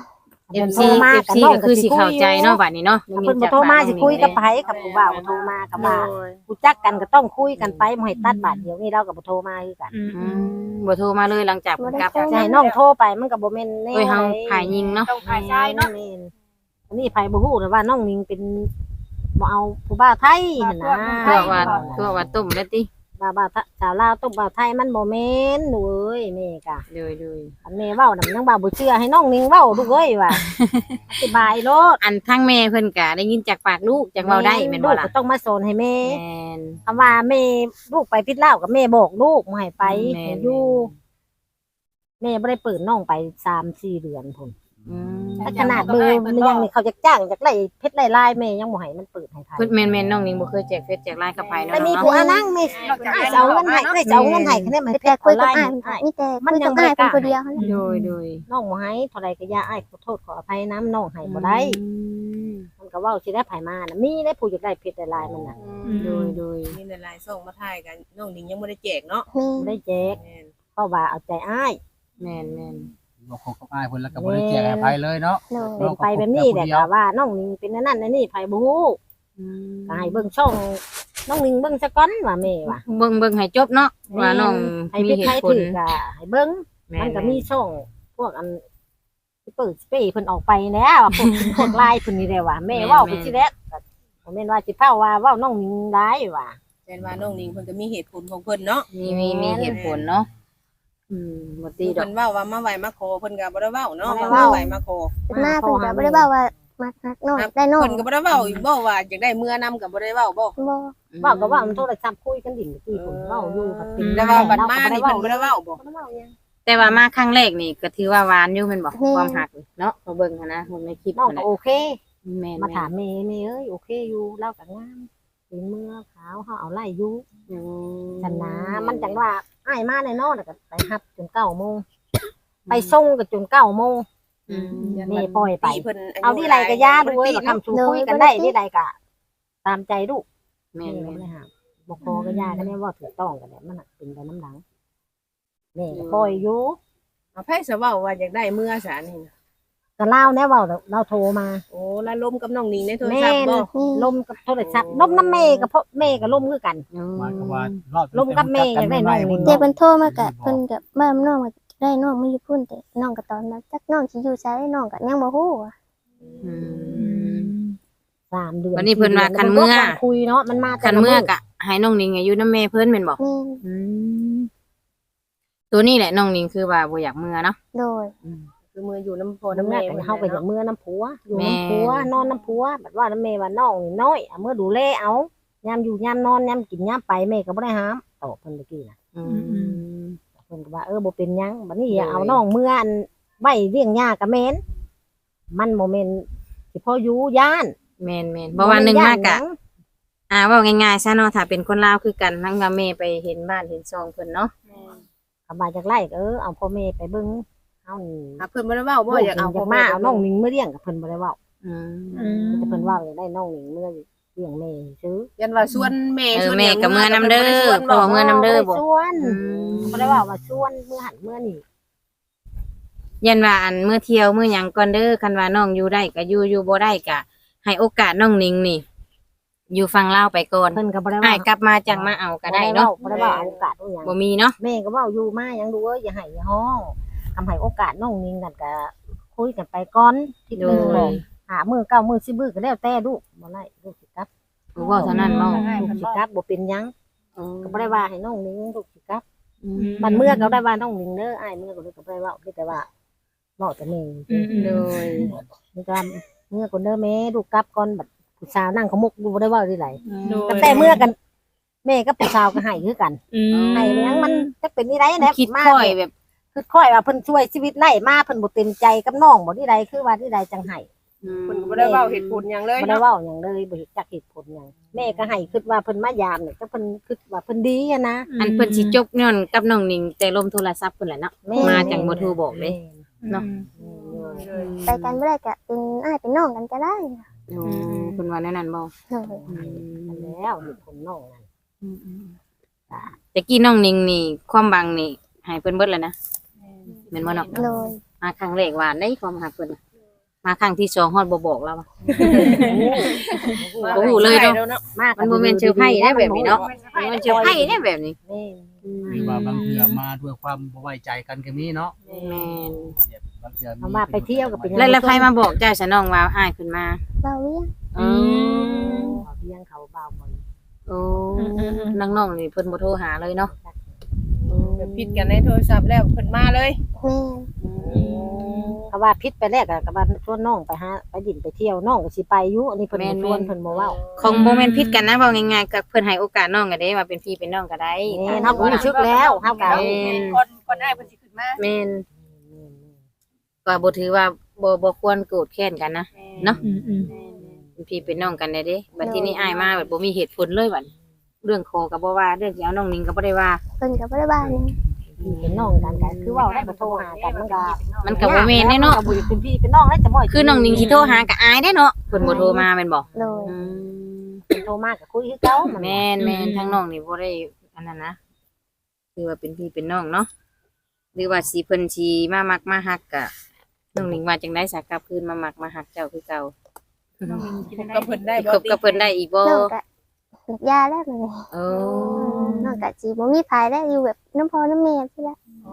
S2: เอฟซีเอฟซีก็คือสิเข้าใจเนาะบัดนี้เนาะ
S1: ถ้าเพิ่นบ่โทรมาสิคุยกับไผกับผู้บ่าวบ่โทรมากับว่ารู้จักกันก็ต้องคุยกันไปบ่ให้ตัดบาดเดียวนี้เราก็บ่โทรมาคือกัน
S3: อืม
S2: อืมบ่โทรมาเลยหลังจากเพิ่นกลับ
S1: จะให้น้องโทรไปมันก็บ่แม่นแนว
S2: โอ้ยเฮาขายยิงเนาะ
S7: ต้องฝ่ายชายเนาะ
S1: แม่นอันนี้ไผบ่ฮู้แต่ว่าน้องนิงเป็นบ่เอาผู้บ่าวไทยหั่นนะ
S2: ตัวว่าตัวว่าต้มแล้วติ
S1: บ่าวบ่าวไทยชาวลาวต้องบ่าวไทยมันบ่แม่นหนูเอ้ยแม่กะ
S2: โดยโดย
S1: อันแม่เว้าน่ะมันยังบ่าวบ่เชื่อให้น้องนิงเว้าลูกเอ้ยว่าอธิบายโลด
S2: อันทั้งแม่เพิ่นก็ได้ยินจากปากลูกจากเว้าได้แม่นบ่
S1: ลูก
S2: ล่ะ
S1: ก็ต้องมาสอนให้แม่
S2: แม่น
S1: คำว่าแม่ลูกไปพิษเหล้ากับแม่บอกลูกบ่ให้ไป
S2: แม่
S1: ให้
S2: น
S1: อยู่แม่บ่ได้เปิดน้องไปสามสี่เดือนพุ่น
S2: อืม
S1: แต่ขนาดเบอร์มันยังนี่เขาจะจ้างจากไล่เพชรไล่ลายแม่ยังบ่ให้มันเปิดให้ไทย
S2: เพิ่นแม่นๆน้องนิงบ่เคยแจกเฟซแจกไลน์กับไผเนาะ
S1: แต่มี
S2: เนาะ
S1: ผัวนั่งแม่อ้ายจะเอาเงินให้อ้ายจะเอาเงินให้คะแนนมันเพ
S4: แต่
S1: ชร
S4: คุ
S1: ออย นไล
S4: กับ
S1: น์
S4: อ้าย
S1: อ้าย
S4: มีแต่
S1: มัน
S4: คุย
S1: ยั
S4: กับ
S1: งบ่ได้
S4: อ้ายเป็น
S1: กล้า
S4: คนเดียวเท่านั้น
S2: โดยโดย
S1: น้องบ่ให้เท่าใดก็อย่าอ้ายขอโทษขออภัยน้ำน้องให้บ่ได้
S2: อืม
S1: มันก็เว้าสิได้ไผมาน่ะมีได้ผู้อยากได้เพชรได้ลายมันน่ะ
S2: โดยโดย
S5: มีหลายๆส่งมาถ่ายกันน้องนิงยังบ่ได้แจกเนาะ
S4: มี
S1: บ่ได้แจก
S5: แม่น
S1: เพราะว่าเอาใจอ้าย
S2: แม่นแม่น
S6: บอกของกับอ้ายเพิ่นแล้วก็บ่ได้แจกให้ไผเลยเนาะ
S4: โดย
S1: เป็นไปแบบนี้แหละก็ว่าน้องนิงเป็นอันนั่นอันนี้ไผบ่ฮู้
S2: อืม
S1: ก็ให้เบิ่งช่องน้องนิงเบิ่งซะก่อนว่าแม่ว่า
S2: เบิ่งเบิ่งให้จบเนาะว่าน้อง
S1: ให้
S2: มี
S1: พิษ
S2: เห
S1: ไท
S2: ตุ
S1: ย
S2: ผล
S1: ถือก็ให้เบิ่ง
S2: แม่
S1: มัน
S2: น
S1: ก็มีช่องพวกอันที่เปิดสเปรย์เพิ่นออกไปแล้วว่าพวก พวกลายเพิ่นนี่แหละว่าแม่เว้าไปสิแล้วก็บ่แม่นว่าสิเฝ้าว่าเว้าน้องนิงร้ายว่า
S5: แม่นว่าน้องนิงเพิ่นก็มีเหตุผลของเพิ่นเนาะ
S2: มีมีมีเหตุผลเนาะอืมบ่ตีดอ
S5: เพิ่
S2: ก
S5: นเว้าว่ามาไหวมาขอเพิ่นก็บ่ได้เว้าเนาะ
S1: บ่ได้
S5: ว่า
S1: เว้า
S5: มาไหวมาขอ
S4: เป็นหน้าเพิ่นก็บ่ได้เว้าว่ามักนักน้องได้น้อง
S5: เพิ่นก็บ่ได้เว้าอีกบ่ว่าอยากได้เมื่อนํก็บ่ได้เว้าบ่
S4: บ่
S1: เว้าก็เว้ามันโทรศัพท์คุยกันดิ่งที่เพิ่นเว้าอยู่ก็เป็น
S5: แต่ว่าบัดมานี่เพิ่นบ่ได้เว้าบ่
S1: บ่ได้เว้าหยัง
S2: แต่ว่ามาครั้งแรกนี่ก็ถือว่าหวานอยู่แม่นบ่ความหักนี่เนาะพอเบิ่งหันนะเบิ่งในคลิป
S1: น้อง
S2: นั่น
S1: ก็
S2: แหละ
S1: โอเค
S2: แม่น
S1: มาถามแม่แม่เอ้ยโอเคอยู่เล่าก็งามเป็นเมื่อขาวเฮาเอาไล่อยู่
S2: อืม
S1: ฉันนะมันจังว่าอ้ายมาแน่นอนแล้วก็ไปรับจนเก้าโมงไปส่งก็จนเก้าโมง
S2: อืม
S1: แม่ปล่อยไป
S5: เพิ่น
S1: เอาที่ไรก็ย่าด้วยว่าคำชูคุยกันได้ที่ไรก็ตามใจลูก
S2: แม่
S1: แม่
S2: น
S1: ก็
S2: แม่น
S1: ไม่ห้ามบอกพอก็ย่ากันเนี่ยว่าถูกต้องกันเนี่ยมันน่ะเป็นไปน้ำหลังแม่ก็ปล่อยอยู่
S5: เอาไผสิเว้าว่าอยากได้เมื่อซะนี่นะ
S1: ก็เล่าแน่ว่าเราโทรมา
S5: โอ้แล้วล้มกับน้องนิงในโทร
S1: แม่
S5: ศัพท์บ่
S1: ลมกับโทรศัพท์ลมน้ำแม่กับพ่อแม่กับลมคือกัน
S2: อืม
S6: หมายความว่ารอบ
S1: ลมกับแม่อยากได้น้องนิง
S4: แต่เพิ่นโทรมาก็เพิ่นก็บ้านน้องก็ได้น้องมาอยู่พุ่นแต่น้องก็ตอนนั้นจักน้องสิอยู่ไสน้องก็ยังบ่ฮู้อะ
S2: อืม
S1: สามเดือน
S2: วันนี้เพิ่นว่าคันเมื่อ
S1: คุยเนาะมันมา
S2: คันเมื่อกะให้น้องนิงอายุน้ำแม่เพิ่นแม่นบ่
S4: แม่น
S2: อืมตัวนี้แหละน้องนิงคือว่าบ่อยากเมื่อเนาะ
S4: โดย
S5: คือมืออยู่น้ำพ่อ
S1: น้ำ
S5: น้ำ
S1: แม่
S5: แม่
S1: กัน
S5: เพิ่น
S1: เฮาก็อย่าง
S5: เนาะ
S1: เมื่อน้ำผัวอยู่
S2: แม่
S1: น้ำผัวนอนน้ำผัวแบบว่าน้ำแม่ว่าน้องนี่น้อยเอาเมื่อดูแลเอายามอยู่ยามนอนยามกินยามไปแม่ก็บ่ได้ห้ามตอบเพิ่นเมื่อกี้น่ะ
S2: อืม
S1: เพิ่นก็ว่าเออบ่เป็นหยังบัดนี้อย่าเอาน้องเมื่ออันไว้เลี้ยงยากับแม่นมันบ่แม่นสิพออยู่ย่าน
S2: แม่นแม่นบ่ว่าหนึงมากะ อ่าเว่าง่ายๆซะเนาะถ้าเป็นคนลาวคือกันทั้งกับแม่ไปเห็นบ้านเห็นซองเพิ่นเนาะ
S1: ก็มาจากไร่ก็เออเอาพ่อแม่ไปเบิ่งเฮานี่
S5: อ่ะเพิ่นบ่ได้เว้าบ่อยากเอา
S1: อยากมาเอาน้องหนิงมาเลี้ยงกับเพิ่นบ่ได้เว้า
S2: อืม
S1: แต่เพิ่นเว้าอยากได้น้องหนิงเมื่อเลี้ยงแม่ซื้อ
S5: ยันว่าชวนแม่
S2: เอ
S5: ช
S2: อ
S5: วน
S2: แม่กับเมื่อน้ำเด้อพ่อเมื่อน้ำเด้อบ่
S1: ชวน
S2: อืม
S1: บ่ได้เว้าว่าชวนเมื่อหันเมื่อนี่
S2: ยันว่าอันเมื่อเที่ยวเมื่อหยังก่อนเด้อคันว่าน้องอยู่ได้ก็อยู่อยู่บ่ได้ก็ให้โอกาสน้องนิงนี่ อยู่ฟังลาวไปก่อน
S1: เพิ่นก็บ่ได้
S2: อ้า
S1: เว้าย
S2: กลับมาจังมาเอาก็ได้เนาะ
S1: บ่ได้เว้าเอาโอกาสเอาหยัง
S2: บ่มีเนาะ
S1: แม่ก็เว้าอยู่มาหยังดูเอ้ยอย่าให้อย่าฮ้องทำให้โอกาสน้องหนิงนั่นก็คุยกันไปก่อนที่
S2: โด
S1: นึง
S2: ย
S1: เลยหามื้อเก้ามื้อสิบมื้อก็แล้วแต่ลูกบ่ได้ลูกสิกลับ
S2: บ่เว้าเท่านั้นเนาะ
S1: ลูกสิกลับบ่เป็นหยังก็บ่ได้ว่าให้น้องหนิงลูกสิกลับ
S2: อืม
S1: มันเมื่อก็ได้ว่าน้องหนิงเด้ออ้ายเมื่อก็เลยก็บ่ได้เว้ามีแต่ว่าเว้าแต่แม่
S2: โดย
S1: มีแต่เมื่อก่อนเด้อแม่ลูกกลับก่อนบัดผู้สาวนั่งขมุกอยู่บ่ได้เว้าที่ไหน
S5: โดย
S1: แต่เมื่อกันแม่กับผู้สาวก็ให้คือกัน
S3: อืม
S1: ให้เลี้ยงมันจะเป็นนี่ไรแหละ
S2: คิด
S1: มา
S2: ค่อยแบบ
S1: คือค่อยว่าเพิ่นช่วยชีวิตไล่มาเพิ่นบ่เต็มใจกับน้องบ่ที่ใดคือว่าที่ใดจังให้
S2: อืม
S5: เพิ่นก็บ่ได้เว้าเหตุผลหยังเลย
S1: บ่ได้
S5: เนาะ
S1: เว้าหยังเลยบ่เห็นจักเหตุผลหยังแม่ก็ให้คิดว่าเพิ่นมายามเนี่ยก็เพิ่นคิดว่าเพิ่นดีอะนะ
S2: อันเพิ่นสิจบย้อนกับน้องนิงแต่ลมโทรศัพท์เพิ่นแหละเนาะ
S1: แม่
S2: มาจังบ่โทรบอกเลย เนาะ
S4: ไปกันบ่ได้ก็เป็นอ้ายเป็นน้องกันก็ได้
S2: โอ้เพิ่นว่าแนวนั้นบ่
S4: โดย
S2: อืม
S1: แล้วเหตุผลน้องนั่น
S2: แต่กี้น้องนิงนี่ความบังนี่ให้เพิ่นเบิดแล้วนะแม่นบ่เนาะ
S4: โดย
S2: มาครั้งแรกหวานได้ความหักเพิ่นน่ะมาครั้งที่สองฮอดบ่บอกแล้วอะ โอ้โหเลยเนาะ
S1: มาก
S2: มันบ่แม่นเซอร์ไพรส์ได้แบบนี้เนาะมันบ่เซอร์ไพรส์ได้แบบนี้
S1: นี่
S6: หรือว่าบางเทื่อมาด้วยความบ่ไว้ใจกันก็มีเนาะ
S2: แม่น
S6: บางเทื่อ
S1: เอามาไปเที่ยวกับเป็น
S2: แล้วแล้วใครมาบอกเจ้าซะน้องว่าอ้ายเพิ่นมา
S4: เบาเวียง
S2: อืม
S1: เบี้ยงเขาเบาบ่อย
S2: โอ้น้องๆนี่เพิ่นบ่โทรหาเลยเนาะ
S5: แบบผิดกันในโทรศัพท์แล้วเพิ่นมาเลย
S4: แม่
S1: เขาว่าพิษไปแรกอะก็ว่าชวนน้องไปหาไปดินไปเที่ยวน้องก็สิไปอยู่อันนี้เพิ่นบ่ชวนเพิ่นบ่เว้า
S2: คงบ่แม่นผิดกันนะเว้าง่ายๆก็เพิ่นให้โอกาสน้องก็ได้ว่าเป็นพี่เป็นน้องก็ได้
S1: แม่นเฮาก็รู้สึกแล้วเฮาก็
S2: แม่น
S7: คนคนอ้ายเพิ่นสิขึ้นมา
S2: แม่นก็บ่ถือว่าบ่บ่ควรโกรธแค้นกันนะ เนาะ
S3: อืมอืม
S2: เป็นพี่เป็นน้องกันได้เด้บัดทีนี้อ้ายมาแบบบ่มีเหตุผลเลยบัดเรื่องคอก็บ่ว่าเรื่องสิเอาน้องนิงก็บ่ได้ว่า
S4: เพิ่นก็บ่ได้บ้านหยัง
S1: พี่เป็นน้องกันก็คือเว้าได้บ่โทรหากันมันก็
S2: มันก็บ่แม่นแน่เนาะ
S1: บ่เป็นพี่เป็นน้องได้จะบ่
S2: คือน้องนิงสิโทรหาก็อายได้เนาะเพิ่นบ่โทรมาแม่นบ่
S4: โดย
S2: อืม
S1: เพิ่นโทรมาก็คุยคือเก่ามัน
S2: แม่นแม่นทั้งน้องนี่บ่ได้อันนั้นนะคือว่าเป็นพี่เป็นน้องเนาะหรือว่าสิเพิ่นสิมามักมาฮักก็น้องนิงว่าจังได๋สากลับคืนมามักมาฮักเจ้าคือเก่า
S5: ก็เพิ่นได้
S2: สิ
S5: บ่
S2: คบกับเพิ่นได้อีกบ่
S4: น้องก็ยาแล้วมัน
S2: โอ้
S4: น้องก็สิบ่มีภายแล้วอยู่แบบน้ำพ่อน้ำแม่ซี่ละ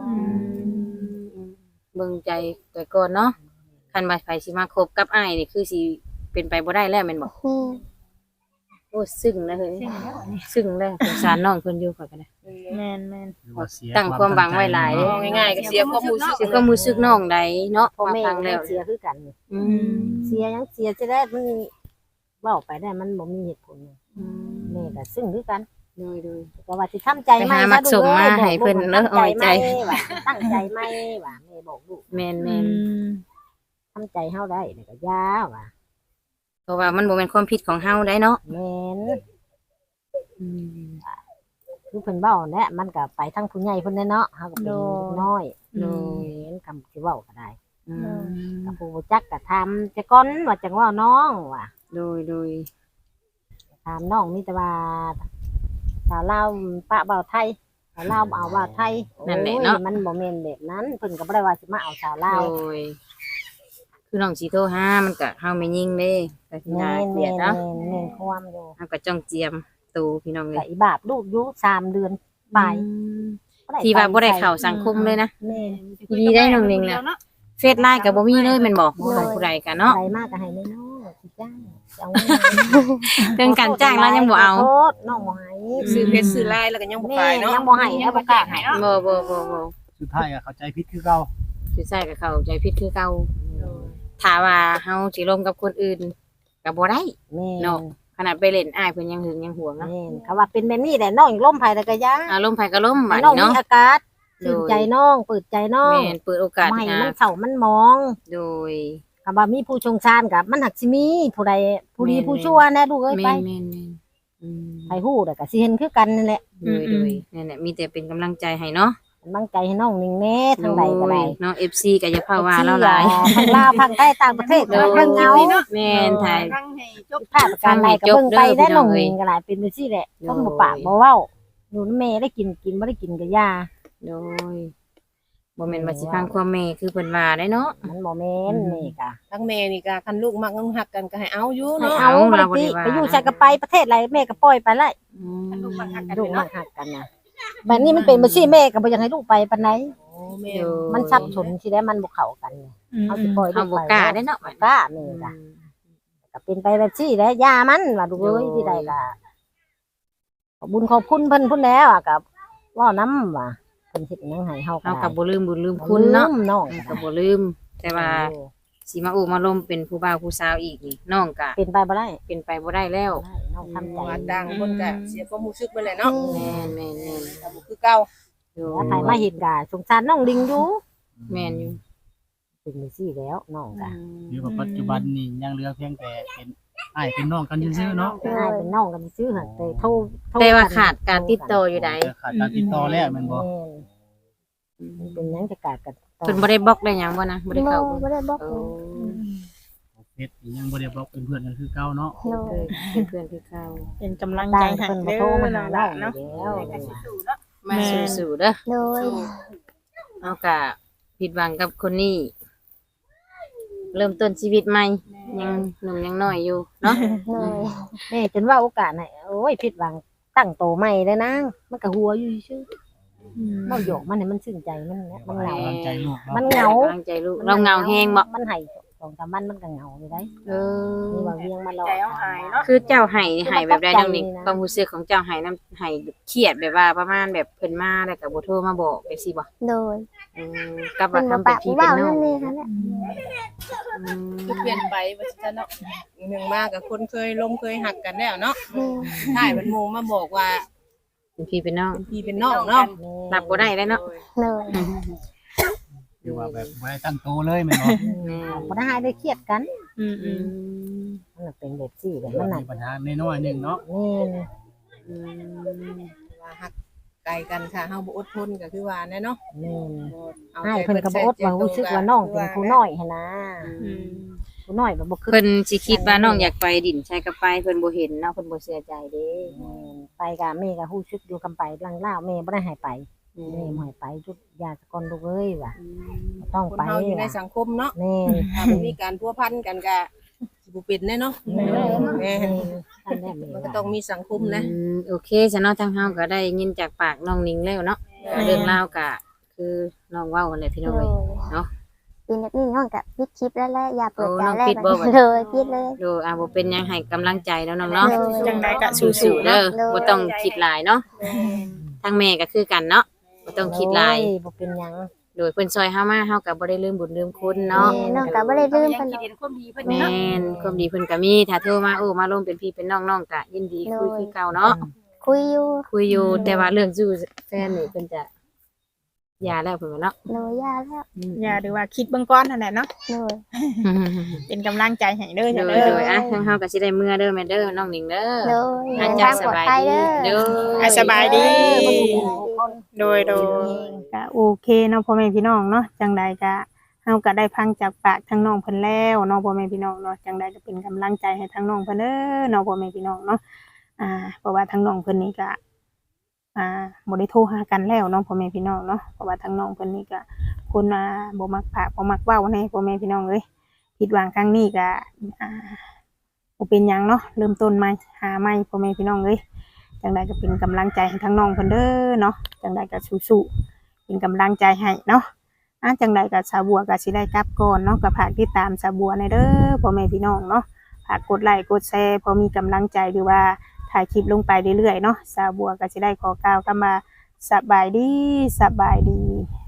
S2: เบิ่งใจแต่ก่อนเนาะคันว่าไผสิมาคบกับอ้ายนี่คือสิเป็นไปบ่ได้แล้วแม่นบ่
S4: แม่
S2: โอ้ซึ้งแล้วเฮ้ยซึ้งแล้วสงสารน้องเพิ่นอยู่ข่อยก็ได้
S3: แม่นแม่น
S6: หรือว่าเสีย
S2: ตั้งความหวังไว้หลาย
S6: เนะ
S5: เอาง่ายๆก็เสียความรู้สึก
S2: สิก็รู้สึกน้องใดเนาะ
S1: พ่อ
S2: มา
S1: แม่
S2: ฟัง
S1: ก็
S2: แล้ว
S1: เสียคือกัน
S2: อืม
S1: เสียยังเสียจะได้มันเว้าไปได้มันบ่มีเหตุผลแม่ก็ซึ่งคือกัน
S2: โดยโดย
S1: ก็ว่าสิทำใจ
S2: ไป
S1: ใหม่
S2: หามัดส่งมาให้เพิ่นเนอะ
S1: ตั้งใจ
S2: เอาไว้
S1: ให
S2: ใจ
S1: ม่ว่าตั้งใจใหม่ว่าแม่บอกลูก
S2: แม่น
S3: อื
S2: แม่น
S3: ม
S1: ทำใจเฮาได้นี่ก็ยาว่ะ
S2: เพราะว่ามันบ่แม่นความผิดของเฮาได้เนาะ
S1: แม่น
S2: อืม
S1: คือเพิ่นเว้าแหละมันก็ไปทั้งผู้ใหญ่เพิ่นแน่เนาะเฮาก็เป็นเด็กน้อย
S2: โด
S1: แม่
S2: ย
S1: นคำสิเว้าก็ได้
S2: อืม
S1: กับผู้บ่จักก็ถามจะก่อนว่าจังว่าน้องว่ะ
S2: โดยโดย
S1: ถามน้องมีแต่ว่าสาวลาวปะเบาไทยสาวลาวเอาว่าไทย
S2: นั่นแหละเนาะ
S1: โอ้ยมันบ่แม่นแบบนั้นเพิ่นก็บ่ได้ว่าสิมาเอาสาวลาว
S2: โดยคือน้องสิโทรหามันก็เฮาไม่ยิงเด้ก็สิ
S1: แม่
S2: น่าน เกลี
S1: แม่
S2: ยด
S1: น
S2: เนาะ
S1: แม่นแม่นความอยู่
S2: เฮาก็จ้องเจียมตูพี่น้องเล
S1: ก็
S2: ย
S1: อีบาปลูกอยู่สามเดือนไป
S2: ที่ว่าบ่ได้เข้าสังคมเลยนะ
S1: แม่น
S2: ดีได้น้องนิงน่ะเฟซไลน์ก็บ่มีเลยแม่นบ่ของผู้ใดกันเนาะ
S1: ใครมากก็ให้น้อยๆสิจ้างเอา
S2: เรื่องการจ้างแล้วยังบ่เอา
S1: ขโทษน้องบ่ให้
S5: ซื้อเพชรซื้อลายแล้วก็ยังบ่
S1: แม่
S5: ขายเนาะ
S1: ยังบ่ให้ยังบ่กล้าให้
S2: บ่บ่บ่บ่
S6: สุดท้ายอะเข้าใจผิดคือเก่า
S2: คือใส่กับเขาใจผิดคือเก่าถ้าว่าเฮาสิลมกับคนอื่นก็บ่ได้
S1: แม่
S2: เนาะ ขนาดไปเล่นอ้ายเพิ่นยังหึงยังหวงเนาะ
S1: แม่นเขาว่าเป็นแบบนี้แหละน้องล้มไผแล้วก็ยา
S2: อารมณ์ไผก็ล้มบัด
S1: น้อง
S2: นี้
S1: มี
S2: เนาะ
S1: อากาศตื่นใจน้องเปิดใจน้อง
S2: แม่นเปิดโอกาส
S1: ไม่
S2: ให้
S1: มันเศร้ามันมอง
S2: โดย
S1: คำว่ามีผู้ชงชานกับมันหักสิมีผู้ใดผู้ดี
S2: แม่น
S1: ผู้ชั่วแน่ดูกเอ้ยไป
S2: แม่นแม่นแม่นอืม
S1: ไปฮู้แต่ก็สิเห็นคือกันนั่นแหละ
S2: โดยโดยนั่นแหละมีแต่เป็นกำลังใจให้เนาะ
S1: กำลังใจให้น้องนิ่งแน่ทางใดก็ได้
S2: โยเนาะ เอฟ ซี ก็อย่าพาว่าเราหลาย
S1: ทางลาวทางใต้ต่างประเทศ
S2: โด
S1: ก็
S2: ย
S1: เบิ่งเอา
S2: แม่นถ่าย
S7: ฟังให้จบ
S1: ภาพการใดก็เบิ่งไปได้น้องนิ่งก็หลายเป็นจังซี่แหละคนบ่ปากบ่เว้าอยู่นำแม่ได้กินกินบ่ได้กินก็ยา
S2: โดยบ่แม่นว่าสิฟังความแม่คือเพิ่นว่าได้เนาะ
S1: มันบ่แม่นนี่ก็
S5: ทั้งแม่นี่ก็คันลูกมักน้องฮักกันก็ให้เอาอยู่
S1: ให้
S5: เนาะ
S1: เอา
S2: เอา
S1: บ่ได้
S2: เราบ่
S1: ติ
S2: ได้ว่า
S1: ไปอยู่ใส่ก็ไปประเทศไรแม่ก็ปล่อยไปเลย
S2: อืม
S7: ลูกมันหักกัน
S1: ลูก
S7: เนาะ
S1: มันหักกันนะแบบนี้มันเป็นบ่ซี่แม่ก็บ่อยากให้ลูกไปปานใด
S5: โอ้แม่
S2: โดย
S1: มันสับสนสิได้มันบ่เข้ากันเนี่ย
S3: อืม
S1: เอาสิปล่อยลู
S2: เฮาก บ่
S1: ไป
S2: กล้าได้เนาะ
S1: บ่กล้าแม่ก็ก็เป็นไปแบบซี่แหละยามันว่าดูกเอ้ยที่ใดก็ขอบคุญขอบคุณเพิ่นพุ่นแล้วอ่ะก็เว้านำว่าเพิ่นเฮ็ดหยังให้เฮาก็
S2: เฮา
S1: ได้
S2: ก็บ่ลืมบุญลืมคุณเนาะ
S1: ลืมน้อง
S2: เฮา
S1: ก็
S2: ก็บ่ลืม แต่ว่าสิมาอุมาลมเป็นผู้บ่าวผู้สาวอีกนี่น้องก็
S1: เป็นไปบ่ได้
S2: เป็นไปบ่ได้แล้ว
S1: น้องทำใจ
S5: ว่าต่างคนก็เสียความรู้สึกไปแหละเนาะ
S2: แม่นแม่นแม่น
S5: ก็บ่คือเก่า
S2: โดย
S1: แล้วใครมาเห็นก็สงสารน้องลิงอยู่
S2: แม่นอยู่
S1: เป็นจังซี่แล้วน้องก็
S6: หรือว่าปัจจุบันนี่ยังเหลือเพียงแต่เป็นอ้ายเป็นน้องกันซื่อๆเนาะ
S1: เป็นอ้ายเป็นน้องกันซื่อๆหั่นแต่โทรโทร
S2: แต่ว่า
S1: กัน
S2: ขาดการติดต่ออยู่ใด
S6: ขาดการติดต่อแล้วแม่นบ่
S1: แม่นมันเป็นหยังจะกาดกันต่อ
S2: เพิ่นบ่ได้บล็อกได้หยังบ่นะบ่ได้
S4: บ่
S2: เข้า
S4: บ่ได้บอก
S2: โอ้
S6: เฮ็ดยังบ่ได้บอกเป็นเพื่อนกันคือเก่าเนาะ
S4: โดย
S2: เป็นเพื่อนคือเก่า
S3: เป็นกำลัง
S1: ได้
S3: ใจให้
S1: เพิ่นบ่
S3: เด้
S1: โทร
S3: อ
S1: มาหา
S3: น้อง
S1: เรา
S3: เนาะ
S1: แล้ว
S2: มาสู้ๆเด้อ
S4: โดย
S2: เอากะผิดหวังกับคนนี้เริ่มต้นชีวิตใหม่ยังหนุ่มยังน้อยอยู่เนาะ
S4: เลย
S1: แม่จนว่าโอกาสน่ะโอ้ยผิดหวังตั้งโตใหม่เลยนางมันก็หัวอยู่ซื่อๆเว้าหยอกมันให้มันซึ้งใจมันเนี่ยมันเหงา
S6: กำลังใจลูก
S1: มั
S6: เนาะ
S1: นเหงา
S2: กำลังใจลูกเราเหงาแฮงบ่
S1: มันให้สองสามวันมันก็เหงาอยู่ได้
S2: เออ
S1: มีว่าเวียงมาหลอก
S7: ใจเอาหายเนาะ
S2: คือเจ้าไห้นี่ไห้แบบใดน้องนิง
S1: คือมันตกใจนี่นะ
S2: ความรู้สึกของเจ้าไห้น้ำไห้เครียดแบบว่าประมาณแบบเพิ่นมาแล้วก็บ่โทรมาบอกจังซี่บ่
S4: โดย
S2: อืมกับ
S4: เพิ่
S2: ว่าน
S4: บ่
S2: ทำเป็น
S4: ปาก
S2: พี่
S4: บ่
S2: เป็น
S4: เว้า
S2: น้อง
S4: นั่นนี่ค่ะแหละ
S2: อืม
S5: คือเปลี่ยนไปว่าซั่นเนาะหนึ่งมากับคนเคยลมเคยหักกันแล้วเนาะ
S4: แม่
S5: ถ่ายมันโมมาบอกว่า
S2: เป็นพี่เป็นน้อง
S5: เป็นพี่เป็นน้องเนาะ
S2: รับบ่ได้เลยเนาะ
S4: เลย
S6: คือว่าแบบบ่ได้ตั้งโตเลยแม่นบ่
S2: แม่
S1: บ่ได้ได้เครียดกัน
S3: อืม
S2: อื
S3: อืม
S2: ม
S1: มันนะเป็นแบบซี่แบบ
S6: มั
S1: มัน น
S6: มี
S1: น่ะ
S6: ปัญหาน้อยๆหนึงเนาะ
S1: แม่น
S2: อืม
S5: ว่าหักไกลกันค่ะเฮาบ่อดทนก็คือว่าแน่เนาะ
S1: แม่น
S5: เอา
S1: ให้
S5: ใจ
S1: เพิ่นก็บ่อดว่ารู้สึกว่าน้องเป็นผู้น้อยหั่นนะ
S3: อืม
S1: ผู้น้อยแบบบ่คือ
S2: เพิ่นสิคิดว่าน้องอยากไปดินใช้กับไปเพิ่นบ่เห็นเนาะเพิ่นบ่เสียใจเด้
S1: แม่นไปก็แม่ก็ฮู้สึกอยู่กันไปหลังลาวแม่บ่ได้ให้ไปแม่บ่ให้ไปจุดยาสะกอนลูกเอ้ยว่ะบ่ต้อง
S5: คน
S1: ไป
S5: เฮาอยู่ใน
S1: ว่ะ
S5: สังคมเนาะ
S1: แม่น
S5: ถ้าบ่มีการพัวพันกันก็สิบ่เป็นแน่เนาะ
S1: แม่น
S5: แม่
S1: แม่นท่านแม่
S5: มันก็ต้องมีสังคมนะ
S2: อืมโอเคซะเนาะทางเฮาก็ได้ยินจากปากน้องนิงแล้วเนาะเรื่องราวก็คือน้องเว้านั่นแหละพี่น้อง
S4: เล
S2: เอ้
S4: ย
S2: ยเนาะ
S4: ปีนี้น้องก็ปิดคลิปแล้วแหละอย่าเปิด
S2: โอ้
S4: ใจ
S2: น้อง
S4: แล้ว
S2: ปิดบ่บัด
S4: เลยปิดเลย
S2: ดูอ่ะบ่เป็นหยังให้กำลังใจแล้วน้องเนาะ
S4: โดย
S3: จังไดก็
S2: สู้
S3: สู้
S2: ๆ
S3: ๆ
S2: เด้
S3: เนาะ
S2: อบ่ต้องคิดหลายเนาะทางแม่ก็คือกันเนาะบ่ต้องคิดหลาย
S1: โอ้บ่เป็นหยัง
S2: โดยเพิ่นซอยเฮามาเฮาก็บ่ได้ลืมบุญลืมคุณเนาะ
S4: แม่น้องก็บ่ได้ลืม
S7: ยั
S4: เพิ่
S7: ง
S4: น
S7: คิดเห็นความดีเพิ่น
S2: แม่
S7: เนาะ
S2: นความดีเพิ่นก็มีถ้าโทรมาโอ้มาร่วมเป็นพี่เป็นน้องน้องก็ยินดีคุยคือเก่าเนาะ
S4: คุยอยู่
S2: คุยอยู่แต่ว่าเรื่องจู้แฟนนี่เพิ่นจะหย่าแล้วเพิ่นว่าเนาะ
S4: โดยยาแล้ว
S3: อย่าหรือว่าคิดเบื้องก้อนนั่นแหละเนาะ
S4: โดย
S3: เป็นกำลังใจให้เด้อ
S2: โด
S3: จ้ะ
S2: ย
S3: เด้
S2: โด
S3: อย
S2: อ่ะทางเฮาก็สิได้เมื่อเด้อแม่เด้อน้องหนิงเด้อ
S4: โดย
S2: อา
S4: เดิน
S2: จา
S4: ทาร ง
S2: ย์ส
S4: ปลอด
S2: บาย
S4: ภัย
S2: ดี
S4: เด้อ
S2: เด้อ
S3: อ่ะสบายดี
S1: บ่ถูกคน
S3: โดยโดยก็โอเคเนาะพ่อแม่พี่น้องเนาะจังใดก็เฮาก็ได้พังจากปากทั้งน้องเพิ่นแล้วเนาะพ่อแม่พี่น้องเนาะจังใดก็เป็นกำลังใจให้ทั้งน้องเพิ่นเด้อเนาะพ่อแม่พี่น้องเนาะอ่าเพราะว่าทั้งน้องเพิ่นนี่ก็อ่าบ่ได้โทรหากันแล้วเนาะพ่อแม่พี่น้องเนาะเพราะว่าทั้งน้องเพิ่นนี่ก็คนอ่าบ่มักพากบ่มักเว้าแน่พ่อแม่พี่น้องเอ้ยผิดหวังครั้งนี้ก็อ่าบ่เป็นหยังเนาะเริ่มต้นใหม่หาใหม่พ่อแม่พี่น้องเอ้ยจังใดก็เป็นกำลังใจให้ทั้งน้องเพิ่นเด้อเนาะจังใดก็สู้ๆเป็นกำลังใจให้เนาะ อ่ะจังใดกับสาวบัวก็สิได้กลับก่อนเนาะก็ฝากติดตามสาวบัวในเด้อพ่อแม่พี่น้องเนาะฝากกดไลค์กดแชร์พอมีกำลังใจหรือว่าถ่ายคลิปลงไปเรื่อยๆเนาะสาวบัวก็สิได้ขอกล่าวคำว่าสบายดีสบายดี